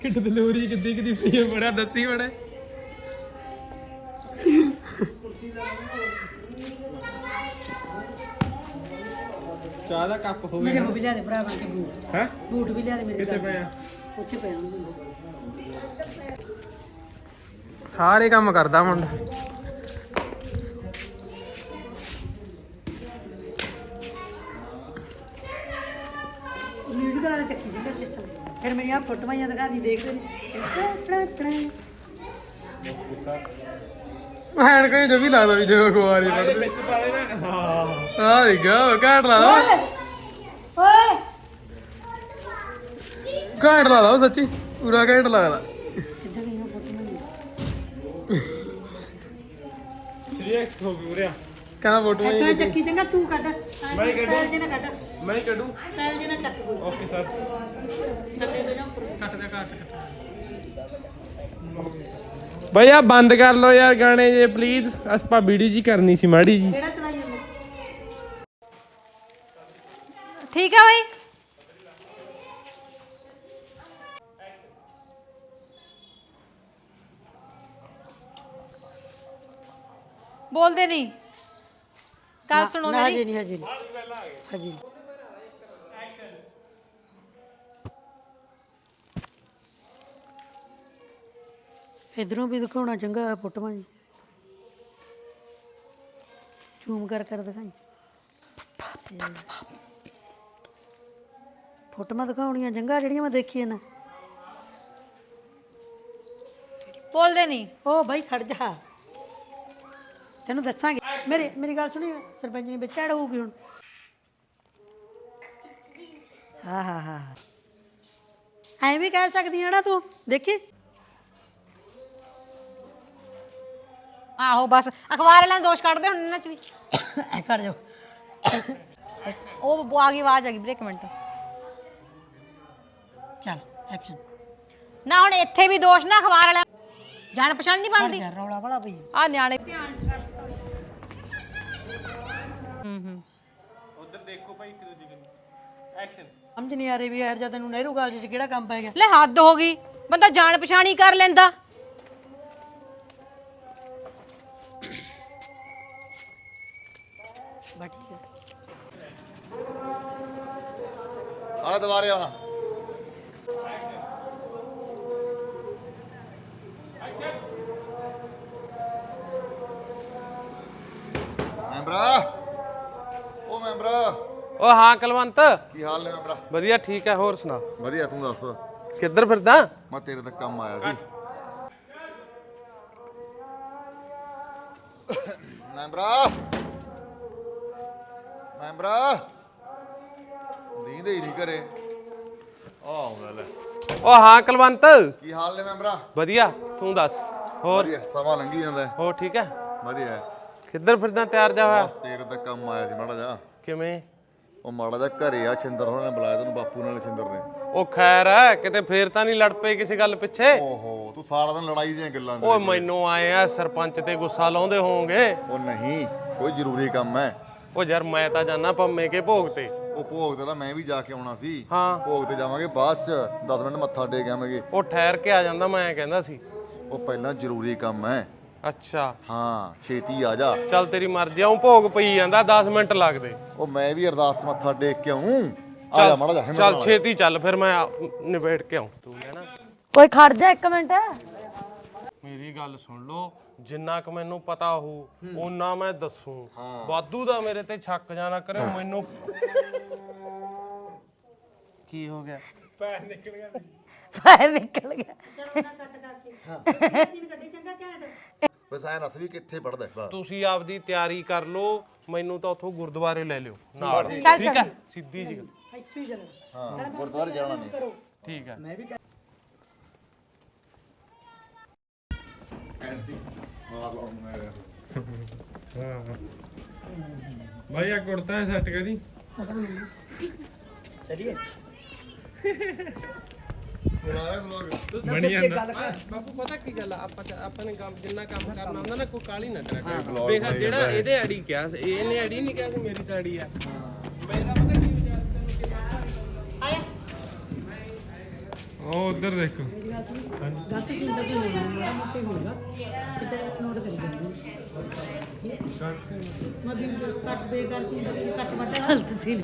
Kit ਦਲੂਰੀ ਕਿੱਦੀ ਕਿੱਦੀ ਪਈ ਬੜਾ ਦੱਸੀ ਬੜਾ ਚਾਹ ਦਾ ਕੱਪ ਹੋਵੇ ਮੇਰੇ ਹੋ ਵੀ ਲਿਆ ਦੇ ਭਰਾ ਬਣ ਕੇ ਬੂਟ ਹੈ ਬੂਟ ਵੀ ਲਿਆ ਦੇ ਮੇਰੇ ਕਿੱਥੇ ਪਏ ਆ ਉੱਥੇ ਪਿਆ ਸਾਰੇ ਕੰਮ ਕਰਦਾ ਮੁੰਡਾ ਮਿਊਜ਼ਿਕ ਵਾਲਾ ਚੱਕੀ ਜਿਹੜਾ ਸਿਸਟਮ ਫਿਰ ਮੇਰੀਆਂ ਫੋਟੋਆਂ ਜਾਂ ਦਿਖਾ ਦੀ ਦੇਖਦੇ ਨੇ ਐਨ ਕੋਈ ਜੋ ਵੀ ਲੱਗਦਾ ਵੀ ਜੋ ਕੁਆਰੀ ਪੜਦੇ ਵਿੱਚ ਪਾਲੇ ਨਾ ਹਾਂ ਆ ਦੇਖੋ ਘਾਟ ਲਾ ਦੋ ਓਏ ਘਾਟ ਲਾ ਦੋ ਸੱਚੀ ਪੂਰਾ ਘਾਟ ਲੱਗਦਾ ਸਿੱਧਾ ਗਈਆਂ ਫੋਟੋਆਂ ਰਿਐਕਟ ਹੋ ਗਿਆ ਉਰਿਆ ਕਹਿੰਦਾ ਫੋਟੋ ਐਸਾ ਚੱਕੀ ਚੰਗਾ ਤੂੰ ਕੱਢ ਮੈਂ ਹੀ ਕੱਢੂ। ਸਟਾਈਲ ਜਿਹੇ ਨਾਲ ਕੱਢ ਮੈਂ ਹੀ ਕੱਢੂ ਸਟਾਈਲ ਜਿਹੇ ਨਾਲ ਚੱਕ ਕੋਈ ਓਕੇ ਸਰ ਥੱਲੇ ਤੋਂ ਜਾ ਉੱਪਰ ਕੱਟ ਦੇ ਕੱਟ ਬਈ ਆ ਬੰਦ ਕਰ ਲਓ ਯਾਰ ਗਾਣੇ ਜੇ ਪਲੀਜ਼ ਆਪਾਂ ਵੀਡੀਓ ਜੀ ਕਰਨੀ ਸੀ ਮਾੜੀ ਜੀ ਕਿਹੜਾ ਚਲਾਈ ਜਾਂਦਾ ਠੀਕ ਹੈ ਬਈ ਬੋਲਦੇ ਨਹੀਂ ਗੱਲ ਸੁਣੋ ਨਾ ਮੇਰੀ ਹਜੇ ਨਹੀਂ ਹਜੇ ਨਹੀਂ ਇਧਰੋਂ ਵੀ ਦਿਖਾਉਣਾ ਚੰਗਾ ਫੋਟੋਆਂ ਜੀ ਜ਼ੂਮ ਕਰ ਦਿਖਾਈ ਫੋਟੋਆਂ ਦਿਖਾਉਣੀਆਂ ਚੰਗਾ ਜਿਹੜੀਆਂ ਮੈਂ ਦੇਖੀਆਂ ਨੇ ਬੋਲਦੇ ਨਹੀਂ ਓ ਬਾਈ ਖੜ ਜਾ ਤੈਨੂੰ ਦੱਸਾਂਗੇ ਮੇਰੀ ਗੱਲ ਸੁਣੀ ਸਰਪੰਚ ਨੇ ਵਿੱਚ ਐਡ ਹੋਊਗੀ ਹੁਣ ਹਾਂ ਐਂ ਵੀ ਕਹਿ ਸਕਦੀ ਆ ਨਾ ਤੂੰ ਦੇਖੀ ਆਹੋ ਬਸ ਅਖਬਾਰ ਵਾਲਿਆਂ ਨੇ ਦੋਸ਼ ਕੱਢਦੇ ਹੁਣ ਇਹਨਾਂ ਚ ਵੀ ਐ ਕਰ ਜਾ ਉਹ ਆ ਗਈ ਆਵਾਜ਼ ਆ ਗਈ ਵੀਰੇ ਇੱਕ ਮਿੰਟ ਚੱਲ ਐਕਸ਼ਨ ਨਾ ਹੁਣ ਇੱਥੇ ਵੀ ਦੋਸ਼ ਨਾ ਅਖਬਾਰ ਵਾਲਿਆਂ ਜਾਣ ਪਛਾਣ ਨਹੀਂ ਬਣਦੀ ਯਾਰ ਰੌਲਾ ਬੜਾ ਪਈ ਆ ਨਿਆਣੇ ਉਧਰ ਦੇਖੋ ਭਾਈ ਇੱਕ ਦੂਜੇ ਨੂੰ ਐਕਸ਼ਨ ਸਮਝ ਨਹੀਂ ਆ ਰਹੀ ਵੀ ਯਾਰ ਜਦ ਤੈਨੂੰ ਨਹਿਰੂ ਕਾਲਜ 'ਚ ਕਿਹੜਾ ਕੰਮ ਪੈ ਗਿਆ ਲੈ ਹੱਦ ਹੋ ਗਈ ਬੰਦਾ ਜਾਣ ਪਛਾਣ ਹੀ ਕਰ ਲੈਂਦਾ ਬਾ ਠੀਕ ਹੈ ਆਲੇ ਦੁਬਾਰੇ ਆਉਣਾ ਮੈਂਬਰਾ ਉਹ ਮੈਂਬਰਾ ਓ ਹਾਂ ਕਲਵੰਤ ਕੀ ਹਾਲ ਨੇ ਮੈਂਬਰਾ ਵਧੀਆ ਠੀਕ ਹੈ ਹੋਰ ਸੁਣਾ ਵਧੀਆ ਤੂੰ ਦੱਸ ਕਿੱਧਰ ਫਿਰਦਾ ਮੈਂ ਤੇਰੇ ਤੱਕ ਕੰਮ ਆਇਆ ਸੀ ਮੈਂਬਰਾ ਦੀਂਦੇ ਹੀ ਨਹੀਂ ਘਰੇ ਆਉਂਦਾ ਲੈ ਓ ਹਾਂ ਕਲਵੰਤ ਕੀ ਹਾਲ ਨੇ ਮੈਂਬਰਾ ਵਧੀਆ ਤੂੰ ਦੱਸ ਹੋਰ ਵਧੀਆ ਸਮਾਂ ਲੰਘੀ ਜਾਂਦਾ ਹੈ। ਹੋਰ ਠੀਕ ਹੈ ਵਧੀਆ ਕਿੱਧਰ ਫਿਰਦਾ ਤਿਆਰ ਜਾ ਹੋਇਆ ਬਸ ਤੇਰੇ ਤੱਕ ਕੰਮ ਆਇਆ ਸੀ ਮਾੜਾ ਜਾ ਕਿਵੇਂ ਉਹ ਮਾੜਾ ਜਾ ਘਰੇ ਆ ਛਿੰਦਰ ਹੋਣਾ ਨੇ ਬੁਲਾਇਆ ਤੈਨੂੰ ਬਾਪੂ ਨਾਲ ਛਿੰਦਰ ਨੇ ਉਹ ਖੈਰ ਹੈ ਕਿਤੇ ਫੇਰ ਤਾਂ ਨਹੀਂ ਲੜ ਪਏ ਕਿਸੇ ਗੱਲ ਪਿੱਛੇ ਓਹੋ ਤੂੰ ਸਾਰਾ ਦਿਨ ਲੜਾਈ ਦੀਆਂ ਗੱਲਾਂ ਓਏ ਕਰੀ ਮੈਨੂੰ ਆਏ ਆ ਸਰਪੰਚ ਤੇ ਗੁੱਸਾ ਲਾਉਂਦੇ ਹੋਵੋਗੇ ਉਹ ਨਹੀਂ ਕੋਈ ਜ਼ਰੂਰੀ ਕੰਮ ਹੈ ਉਹ ਯਾਰ ਮੈਂ ਤਾਂ ਜਾਣਾ ਪੰਮੇ ਕੇ ਭੋਗ ਤੇ ਉਹ ਭੋਗ ਤੇ ਤਾਂ ਮੈਂ ਵੀ ਜਾ ਕੇ ਆਉਣਾ ਸੀ ਹਾਂ ਭੋਗ ਤੇ ਜਾਵਾਂਗੇ ਬਾਅਦ ਚ 10 ਮਿੰਟ ਮੱਥਾ ਟੇਕ ਆਵਾਂਗੇ ਉਹ ਠਹਿਰ ਕੇ ਆ ਜਾਂਦਾ ਮੈਂ ਕਹਿੰਦਾ ਸੀ ਉਹ ਪਹਿਲਾਂ ਜ਼ਰੂਰੀ ਕੰਮ ਹੈ ਅੱਛਾ ਹਾਂ ਛੇਤੀ ਆ ਜਾ ਚੱਲ ਤੇਰੀ ਮਰਜ਼ੀ ਆਉਂ ਭੋਗ ਪਈ ਜਾਂਦਾ 10 ਮਿੰਟ ਲੱਗਦੇ ਉਹ ਮੈਂ ਵੀ ਅਰਦਾਸ ਮੱਥਾ ਟੇਕ ਕੇ ਆਉਂ ਆ ਜਾ ਮਾੜਾ ਜਾ ਹਿੰਮਤ ਚੱਲ ਨਾਲ। ਛੇਤੀ ਚੱਲ ਫਿਰ ਮੈਂ ਨਿਬੇੜ ਕੇ ਆਉਂ ਤੂੰ ਲੈਣਾ ਕੋਈ ਖੜ ਜਾ ਇੱਕ ਮਿੰਟ ਮੇਰੀ ਗੱਲ ਸੁਣ ਲਓ ਜਿੰਨਾ ਕੁ ਮੈਨੂੰ ਪਤਾ ਹੋਊ ਓਨਾ ਮੈਂ ਦੱਸੂ ਵਾਧੂ ਦਾ ਮੇਰੇ ਤੇ ਛੱਕ ਜਾਣਾ ਕਰੇ ਮੈਨੂੰ ਕੀ ਹੋ ਗਿਆ ਪੈਰ ਨਿਕਲ ਗਿਆ ਫਾਇਰ ਨਿਕਲ ਗਿਆ ਬਸ ਐ ਨਸ ਵੀ ਕਿੱਥੇ ਪੜਦਾ ਬਸ ਤੁਸੀਂ ਆਪਦੀ ਤਿਆਰੀ ਕਰ ਲਓ ਮੈਨੂੰ ਤਾਂ ਉਥੋਂ ਗੁਰਦੁਆਰੇ ਲੈ ਲਿਓ ਨਾਲ ਚੱਲ ਠੀਕ ਹੈ ਸਿੱਧੀ ਜੀ ਗੱਲ ਇੱਥੇ ਹੀ ਚੱਲਣਾ ਹਾਂ ਗੁਰਦੁਆਰੇ ਜਾਣਾ ਨਹੀਂ ਠੀਕ ਹੈ ਮੈਂ ਵੀ ਭਾਈ ਆ ਕੁੜਤਾ ਹੈ ਸੈੱਟ ਕਰੀ ਚਲਿਏ ਬਣੀ ਜਾਂਦਾ ਬਾਪੂ ਪਤਾ ਕੀ ਗੱਲ ਆ ਆਪਾਂ ਨੇ ਕੰਮ ਜਿੰਨਾ ਕੰਮ ਕਰਨਾ ਹੁੰਦਾ ਨਾ ਕੋਈ ਕਾਲੀ ਨਾ ਕਰਿਆ ਕਰ ਦੇਖ ਜਿਹੜਾ ਇਹਦੇ ਅੜੀ ਕਿਹਾ ਇਹਨੇ ਅੜੀ ਨਹੀਂ ਕਿਹਾ ਸੀ ਮੇਰੀ ਤਾਂ ਅੜੀ ਆ ਮੇਰਾ ਪਤਾ ਕੀ ਵਿਚਾਰ ਤੈਨੂੰ ਕਿ ਆਇਆ ਉਹ ਉਧਰ ਦੇਖੋ ਗਲਤ ਚੀਜ਼ ਦਾ ਕੋਈ ਹੋਣਾ ਮਾੜਾ ਮੋਟਾ ਹੀ ਹੋਊਗਾ ਕਿਤੇ ਨੋਟ ਕਰੀ ਜਾਂਦੇ ਮੈਂ ਵੀ ਕੱਟ ਬੇਕਾਰ ਚੀਜ਼ ਦਾ ਕੋਈ ਕੱਟ ਵੱਟ ਗਲਤ ਸੀ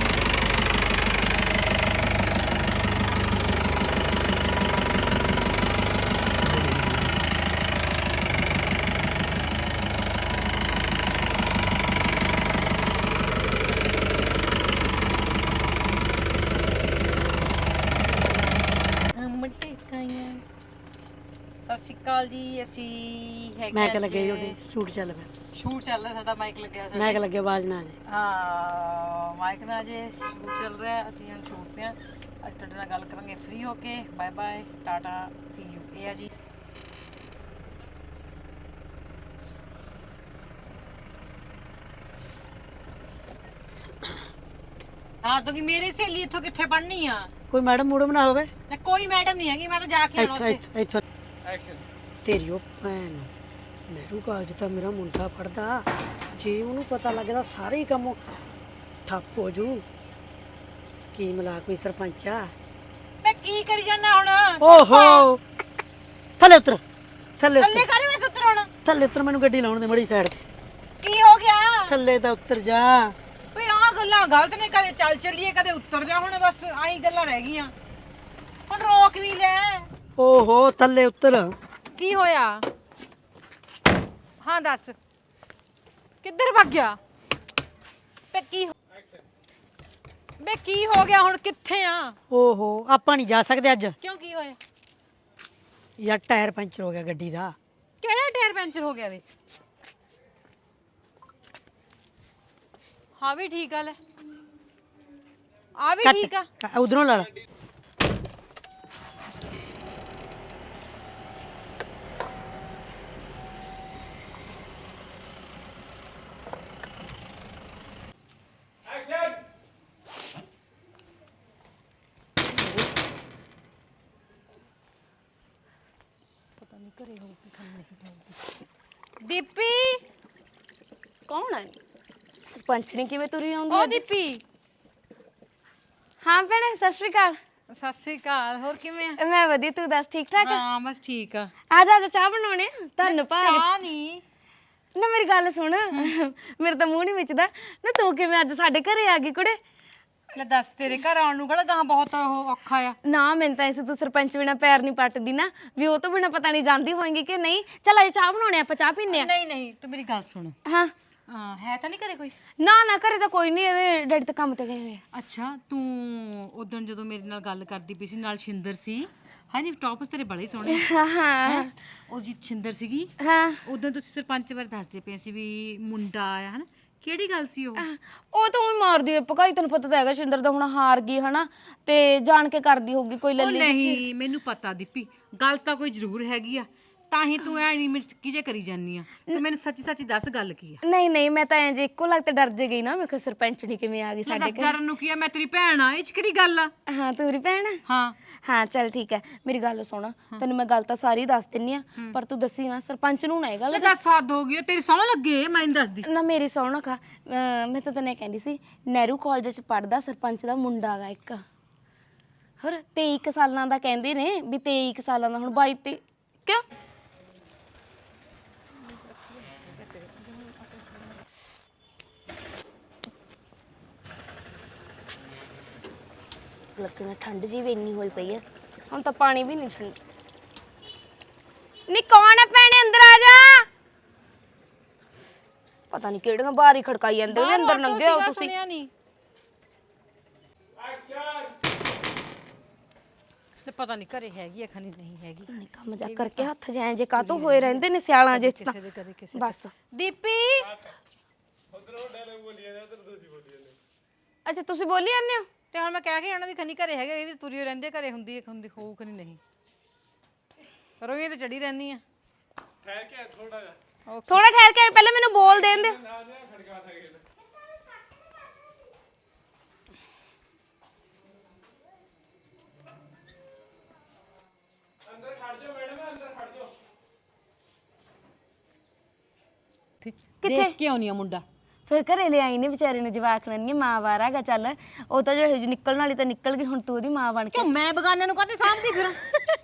ਸਤਿ ਸ਼੍ਰੀ ਅਕਾਲ ਜੀ ਅਸੀਂ ਹੈਗੇ ਮੈਂ ਕਿ ਲੱਗੇ ਉਹਦੇ ਸੂਟ ਚੱਲ ਪਿਆ ਸ਼ੂਟ ਚੱਲ ਰਿਹਾ ਸਾਡਾ ਮਾਈਕ ਲੱਗਿਆ ਸਾਡਾ ਮੈਂ ਕਿ ਲੱਗੇ ਆਵਾਜ਼ ਨਾ ਆ ਜੇ ਹਾਂ ਮਾਈਕ ਨਾਲ ਜੇ ਸ਼ੂਟ ਚੱਲ ਰਿਹਾ ਅਸੀਂ ਹੁਣ ਸ਼ੂਟ ਤੇ ਆ ਅੱਜ ਤੁਹਾਡੇ ਨਾਲ ਗੱਲ ਕਰਾਂਗੇ ਫ੍ਰੀ ਹੋ ਕੇ bye bye tata see you ਇਹ ਆ ਜੀ ਹਾਂ ਤਾਂ ਕਿ ਮੇਰੀ ਸਹੇਲੀ ਇੱਥੋਂ ਕਿੱਥੇ ਪੜ੍ਹਨੀ ਆ ਕੋਈ ਮੈਡਮ ਮੂਡਮ ਨਾ ਹੋਵੇ ਨਾ ਕੋਈ ਮੈਡਮ ਨਹੀਂ ਹੈਗੀ ਮੈਂ ਤਾਂ ਜਾ ਕੇ ਆਉਣਾ ਉੱਥੇ ਇੱਥੋਂ ਐਕਸ਼ਨ ਤੇਰੀ ਉਹ ਭੈਣ ਨਹਿਰੂ ਕਾਲਜ ਤਾਂ ਮੇਰਾ ਮੁੰਡਾ ਪੜਦਾ ਜੇ ਉਹਨੂੰ ਪਤਾ ਲੱਗਦਾ ਸਾਰੇ ਹੀ ਕੰਮ ਠੱਪ ਹੋ ਜੂ ਸਕੀਮ ਲਾ ਕੋਈ ਸਰਪੰਚਾ ਮੈਂ ਕੀ ਕਰੀ ਜਾਣਾ ਹੁਣ ਓਹੋ ਥੱਲੇ ਉਤਰ ਥੱਲੇ ਥੱਲੇ ਉਤਰ ਕਰੇ ਮੈਂ ਸੁੱਤਰ ਹੁਣ ਥੱਲੇ ਉਤਰ ਮੈਨੂੰ ਗੱਡੀ ਲਾਉਣ ਦੇ ਮੜੀ ਸਾਈਡ ਤੇ ਕੀ ਹੋ ਗਿਆ ਥੱਲੇ ਤਾਂ ਉਤਰ ਜਾ ਓਏ ਆਹ ਗੱਲਾਂ ਗਲਤ ਨੇ ਕਦੇ ਚੱਲ ਚੱਲੀਏ ਕਦੇ ਉੱਤਰ ਜਾ ਹੁਣ ਬਸ ਆਹੀ ਗੱਲਾਂ ਰਹਿ ਗਈਆਂ ਹੁਣ ਰੋਕ ਵੀ ਲੈ ਓਹੋ ਥੱਲੇ ਉਤਰ ਕੀ ਹੋਇਆ ਹਾਂ ਦੱਸ ਕਿੱਧਰ ਭੱਗ ਗਿਆ ਬੇ ਕੀ ਹੋ ਗਿਆ ਹੁਣ ਕਿੱਥੇ ਆ ਓਹੋ ਆਪਾਂ ਨਹੀਂ ਜਾ ਸਕਦੇ ਅੱਜ ਕਿਉਂ ਕੀ ਹੋਇਆ ਯਾਰ ਟਾਇਰ ਪੈਂਚਰ ਹੋ ਗਿਆ ਗੱਡੀ ਦਾ ਕਿਹੜਾ ਟਾਇਰ ਪੈਂਚਰ ਹੋ ਗਿਆ ਵੇ ਹਾਂ ਵੀ ਠੀਕ ਆ ਲੈ ਆ ਵੀ ਠੀਕ ਆ ਉਧਰੋਂ ਲਾ ਲਾ ਦੀਪੀ ਕੌਣ ਹੈ ਸਰਪੰਚਣੀ ਕਿਵੇਂ ਤੁਰੀ ਆਉਂਦੀ ਉਹ ਹੈ ਦੀਪੀ ਹਾਂ ਭੈਣੇ ਸਤਿ ਸ਼੍ਰੀ ਅਕਾਲ ਸਤਿ ਸ਼੍ਰੀ ਅਕਾਲ ਹੋਰ ਕਿਵੇਂ ਆ ਮੈਂ ਵਧੀਆ ਤੂੰ ਦੱਸ ਠੀਕ ਠਾਕ ਹਾਂ ਬਸ ਠੀਕ ਆ ਆ ਜਾ ਚਾਹ ਬਣਾਉਣੇ ਆ ਤੁਹਾਨੂੰ ਭਾਗ ਚਾਹ ਨਹੀਂ ਨਾ ਮੇਰੀ ਗੱਲ ਸੁਣ ਮੇਰੇ ਤਾਂ ਮੂੰਹ ਨਹੀਂ ਵਿਚਦਾ ਨਾ ਤੂੰ ਕਿਵੇਂ ਅੱਜ ਸਾਡੇ ਘਰੇ ਆ ਗਈ ਕੁੜੇ ਲੈ ਦੱਸ ਤੇਰੇ ਘਰ ਆਉਣ ਨੂੰ ਕਿਹੜਾ ਗਾਂ ਬਹੁਤ ਉਹ ਔਖਾ ਆ ਨਾ ਮੈਨੂੰ ਤਾਂ ਐਸੇ ਤੂੰ ਸਰਪੰਚ ਬਿਨਾ ਪੈਰ ਨਹੀਂ ਪੱਟਦੀ ਨਾ ਵੀ ਉਹ ਤੋਂ ਬਿਨਾ ਪਤਾ ਨਹੀਂ ਜਾਂਦੀ ਹੋਏਗੀ ਕਿ ਨਹੀਂ ਚੱਲ ਅੱਜ ਚਾਹ ਬਣਾਉਣੇ ਆਪਾਂ ਚਾਹ ਪੀਨੇ ਆ ਨਹੀਂ ਨਹੀਂ ਤੂੰ ਮੇਰੀ ਗੱਲ ਸੁਣ ਹਾਂ ਹਾਂ ਹੈ ਤਾਂ ਨਹੀਂ ਘਰੇ ਕੋਈ ਨਾ ਨਾ ਘਰੇ ਤਾਂ ਕੋਈ ਨਹੀਂ ਇਹਦੇ ਡੈਡੀ ਤਾਂ ਕੰਮ ਤੇ ਗਏ ਹੋਏ ਆ ਅੱਛਾ ਤੂੰ ਉਦੋਂ ਜਦੋਂ ਮੇਰੇ ਨਾਲ ਗੱਲ ਕਰਦੀ ਪਈ ਸੀ ਨਾਲ ਸ਼ਿੰਦਰ ਸੀ ਹਾਂਜੀ ਟੌਪਸ ਤੇਰੇ ਬੜੇ ਸੋਹਣੇ ਹਾਂ ਹਾਂ ਉਹ ਜੀ ਸ਼ਿੰਦਰ ਸੀਗੀ ਹਾਂ ਉਦੋਂ ਤੁਸੀਂ ਸਰਪੰਚ ਬਾਰੇ ਦੱਸਦੇ ਪਏ ਸੀ ਵੀ ਮੁੰਡਾ ਆਇਆ ਹਨਾ ਕਿਹੜੀ ਗੱਲ ਸੀ ਉਹ ਉਹ ਤਾਂ ਉਹ ਮਾਰਦੀ ਹੈ ਪਕਾਈ ਤੈਨੂੰ ਪਤਾ ਤਾਂ ਹੈਗਾ ਸ਼ਿੰਦਰ ਦਾ ਹੁਣ ਹਾਰ ਗਈ ਹਨਾ ਤੇ ਜਾਣ ਕੇ ਕਰਦੀ ਹੋਊਗੀ ਕੋਈ ਉਹ ਲੱਲੀ ਨਹੀਂ ਮੈਨੂੰ ਪਤਾ ਦੀਪੀ ਗੱਲ ਤਾਂ ਕੋਈ ਜ਼ਰੂਰ ਹੈਗੀ ਆ ਤਾਂ ਹੀ ਤੂੰ ਐ ਨਹੀਂ ਮਿੱਟੀ ਜੇ ਕਰੀ ਜਾਨੀ ਆ ਤੂੰ ਮੈਨੂੰ ਸੱਚੀ ਸੱਚੀ ਦੱਸ ਗੱਲ ਕੀ ਆ ਨਹੀਂ ਨਹੀਂ ਮੈਂ ਤਾਂ ਐਂ ਜੇ ਇੱਕੋ ਲੱਗ ਤੇ ਡਰ ਜੇ ਗਈ ਨਾ ਮੈਂ ਕਿਹਾ ਸਰਪੰਚਣੀ ਕਿਵੇਂ ਆ ਗਈ ਸਾਡੇ ਦੱਸ ਡਰਨ ਨੂੰ ਕੀ ਆ ਮੈਂ ਤੇਰੀ ਭੈਣ ਆ ਇਹ ਚ ਕਿਹੜੀ ਗੱਲ ਆ ਹਾਂ ਤੂੰ ਮੇਰੀ ਭੈਣ ਆ? ਹਾਂ ਹਾਂ ਚੱਲ ਠੀਕ ਹੈ ਮੇਰੀ ਗੱਲ ਸੁਣ ਤੈਨੂੰ ਮੈਂ ਗੱਲ ਤਾਂ ਸਾਰੀ ਦੱਸ ਦਿੰਨੀ ਆ ਪਰ ਤੂੰ ਦੱਸੀ ਨਾ ਸਰਪੰਚ ਨੂੰ ਨਾ ਇਹ ਗੱਲ ਲੈ ਦੱਸ ਹੱਦ ਹੋ ਗਈ ਤੇਰੀ ਸੌਂ ਲੱਗੇ ਮੈਨੂੰ ਦੱਸਦੀ ਨਾ ਮੇਰੀ ਸੌਣ ਖਾ ਮੈਂ ਤਾਂ ਤੈਨੂੰ ਕਹਿੰਦੀ ਸੀ ਨਹਿਰੂ ਕਾਲਜ ਚ ਪੜਦਾ ਸਰਪੰਚ ਦਾ ਮੁੰਡਾ ਗਾ ਇੱਕ ਹੋਰ 23 ਸਾਲਾਂ ਦਾ ਕਹਿੰਦੇ ਨੇ ਵੀ 23 ਸਾਲਾਂ ਦਾ ਹੁਣ 22 ਤੇ ਕਿਉਂ ਲੱਗਣਾ ਠੰਡ ਜੀ ਵੀ ਇੰਨੀ ਹੋਈ ਪਈ ਹੈ ਹੁਣ ਤਾਂ ਪਾਣੀ ਵੀ ਨਹੀਂ ਠੰਡ ਨੀ ਕੌਣ ਹੈ ਭੈਣੇ ਅੰਦਰ ਆ ਜਾ ਪਤਾ ਨਹੀਂ ਕਿਹੜੀਆਂ ਬਾਹਰ ਹੀ ਖੜਕਾਈ ਜਾਂਦੇ ਨੇ ਅੰਦਰ ਲੰਘੇ ਹੋ ਤੁਸੀਂ ਨਹੀਂ ਤੇ ਪਤਾ ਨਹੀਂ ਘਰੇ ਹੈਗੀ ਆ ਖਣੀ ਨਹੀਂ ਹੈਗੀ ਨਹੀਂ ਕੰਮ ਜਾ ਕਰਕੇ ਹੱਥ ਜਾਏ ਜੇ ਕਾਤੋਂ ਹੋਏ ਰਹਿੰਦੇ ਨੇ ਸਿਆਲਾਂ ਜੇ ਚ ਤਾਂ ਕਿਸੇ ਦੇ ਕਦੇ ਕਿਸੇ ਬਸ ਦੀਪੀ ਅੱਛਾ ਤੁਸੀਂ ਬੋਲੀ ਜਾਂਦੇ ਹੋ ਤੇ ਹੁਣ ਮੈਂ ਕਹਿ ਕੇ ਆਣਾ ਵੀ ਖਣੀ ਘਰੇ ਹੈਗਾ ਇਹ ਵੀ ਤੁਰੀ ਰਹਿੰਦੇ ਘਰੇ ਹੁੰਦੀ ਹੈ ਹੁੰਦੀ ਹੋਊ ਖਣੀ ਨਹੀਂ ਰੋਈ ਤੇ ਚੜੀ ਰਹਿੰਦੀ ਆ ਠਹਿਰ ਕੇ ਥੋੜਾ ਜਿਹਾ ਥੋੜਾ ਠਹਿਰ ਕੇ ਪਹਿਲਾਂ ਮੈਨੂੰ ਬੋਲ ਦੇਣ ਦਿਓ ਅੰਦਰ ਖੜ ਜਾਓ ਮੈਡਮ ਅੰਦਰ ਖੜ ਜਾਓ ਕਿੱਥੇ ਦੇਖ ਕੇ ਆਉਣੀ ਆ ਮੁੰਡਾ ਫਿਰ ਘਰੇ ਲਿਆਈ ਨੇ ਵਿਚਾਰੇ ਨੇ ਜਵਾਕਣ ਨਹੀਂ ਮਾਂ ਬਾਹਰ ਹੈਗਾ ਚੱਲ ਉਹ ਤਾਂ ਜੋ ਨਿਕਲਣ ਵਾਲੀ ਤਾਂ ਨਿਕਲ ਗਈ ਹੁਣ ਤੂੰ ਉਹਦੀ ਮਾਂ ਬਣ ਕੇ ਕਿਉਂ ਮੈਂ ਬਗਾਨੇ ਨੂੰ ਕਾਹਤੇ ਸਾਂਭਦੀ ਫਿਰਾਂ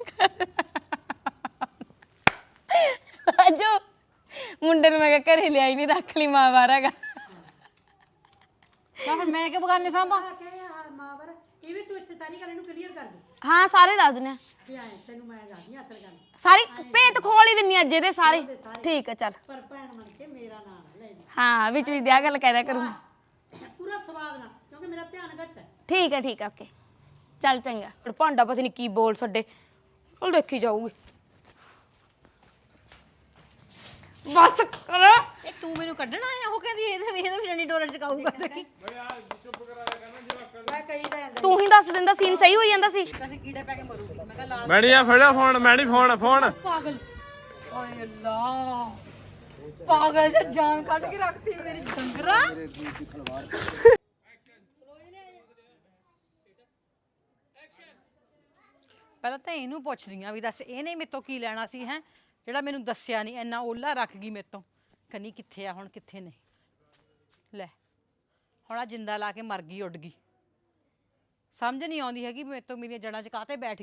ਅਜੋ ਮੁੰਡੇ ਨੂੰ ਮੈਂ ਕਿਹਾ ਘਰੇ ਲਿਆਈ ਨਹੀਂ ਰੱਖ ਲਈ ਮਾਂ ਬਾਹਰ ਹੈਗਾ ਤਾਂ ਫਿਰ ਮੈਂ ਕਿ ਬਗਾਨੇ ਸਾਂਭਾਂ ਮਾਵਰ ਇਹ ਵੀ ਤੂੰ ਇੱਥੇ ਸਾਰੀ ਗੱਲ ਇਹਨੂੰ ਕਲੀਅਰ ਕਰ ਦੇ ਹਾਂ ਸਾਰੇ ਦੱਸ ਦਿੰਦੇ ਆ ਵੀ ਐ ਤੈਨੂੰ ਮੈਂ ਦੱਸਦੀ ਅਸਲ ਗੱਲ ਸਾਰੀ ਭੇਤ ਖੋਲ ਹੀ ਦਿੰਨੀ ਅੱਜ ਇਹਦੇ ਸਾਰੇ ਠੀਕ ਆ ਚੱਲ ਪਰ ਭੈਣ ਬਣ ਕੇ ਮੇਰਾ ਨਾਮ ਨਾ ਲੈ ਹਾਂ ਵਿੱਚ ਵੀ ਦਿਆ ਗੱਲ ਕਹਿ ਦਿਆ ਕਰੂੰ ਪੂਰਾ ਸਵਾਦ ਨਾਲ ਕਿਉਂਕਿ ਮੇਰਾ ਧਿਆਨ ਘੱਟ ਹੈ ਠੀਕ ਆ ਓਕੇ ਚੱਲ ਚੰਗਾ ਹੁਣ ਭਾਂਡਾ ਪਤਾ ਨਹੀਂ ਕੀ ਬੋਲ ਛੱਡੇ ਉਹ ਦੇਖੀ ਜਾਊਗੀ ਬਸ ਕਰ ਇਹ ਤੂੰ ਮੈਨੂੰ ਕੱਢਣਾ ਆਇਆ ਉਹ ਕਹਿੰਦੀ ਇਹਦੇ ਵੀ ਡੰਡੀ ਡੋਲਰ ਚਕਾਊਗਾ ਦੇਖੀ ਮੈਂ ਕਹੀ ਦਾ ਜਾਂਦਾ ਤੂੰ ਹੀ ਦੱਸ ਦਿੰਦਾ ਸੀਨ ਸਹੀ ਹੋਈ ਜਾਂਦਾ ਸੀ ਅਸੀਂ ਕੀੜੇ ਪੈ ਕੇ ਮਰੂਗੀ ਮੈਂ ਕਿਹਾ ਲਾ ਮੈਣੀਆ ਫੜਿਆ ਫੋਨ ਮੈਣੀ ਫੋਨ ਪਾਗਲ ਓਏ ਅੱਲਾ ਪਾਗਲ ਸੇ ਜਾਨ ਕੱਢ ਕੇ ਰੱਖਤੀ ਮੇਰੀ ਡੰਗਰਾ ਪਹਿਲਾਂ ਤਾਂ ਇਹਨੂੰ ਪੁੱਛਦੀ ਆ ਵੀ ਦੱਸ ਇਹਨੇ ਮੇਰੇ ਤੋਂ ਕੀ ਲੈਣਾ ਸੀ ਹੈ ਜਿਹੜਾ ਮੈਨੂੰ ਦੱਸਿਆ ਨਹੀਂ ਇੰਨਾ ਓਲਾ ਰੱਖ ਗਈ ਮੇਰੇ ਤੋਂ ਕਨੀ ਕਿੱਥੇ ਆ ਹੁਣ ਕਿੱਥੇ ਨਹੀਂ ਲੈ ਹੁਣ ਆ ਜਿੰਦਾ ਲਾ ਕੇ ਮਰ ਗਈ ਉੱਡ ਗਈ ਸਮਝ ਨਹੀਂ ਆਉਂਦੀ ਹੈਗੀ ਮੇਰੇ ਤੋਂ ਮੇਰੀਆਂ ਜੜ੍ਹਾਂ 'ਚ ਕਾਹਤੇ ਬੈਠ